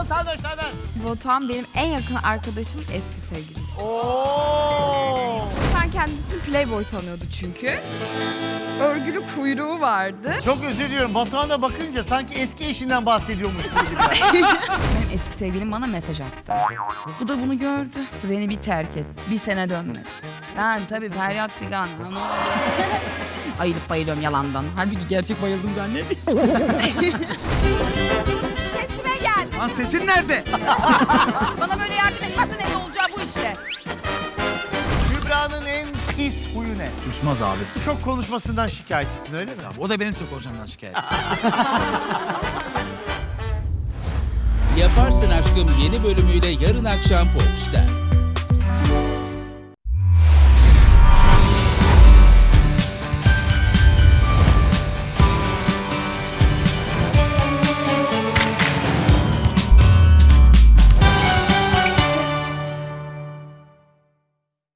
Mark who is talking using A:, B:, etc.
A: vatandaşlardan.
B: Batuhan benim en yakın arkadaşım eski sevgilim.
A: Oo.
B: Ben kendisini playboy sanıyordu çünkü. Örgülü kuyruğu vardı.
A: Çok özür diliyorum. Batuhan'a bakınca sanki eski eşinden bahsediyormuşsun gibi.
C: Benim eski sevgilim bana mesaj attı. Bu da bunu gördü. Beni bir terk et. Bir sene dönmedi. Ben tabii feryat figan. Ne oldu? Ayılıp bayılıyorum yalandan. Halbuki gerçek bayıldım zannediyorum.
B: Sesime gel.
D: Lan sesin nerede?
C: Bana böyle yardım etmezsen ne olacağı bu işte.
A: Kübra'nın en pis huyu ne?
D: Susmaz abi.
A: Çok konuşmasından şikayetçisin öyle mi?
D: O da benim çok hocamdan şikayet.
E: Yaparsın Aşkım yeni bölümüyle yarın akşam Fox'ta.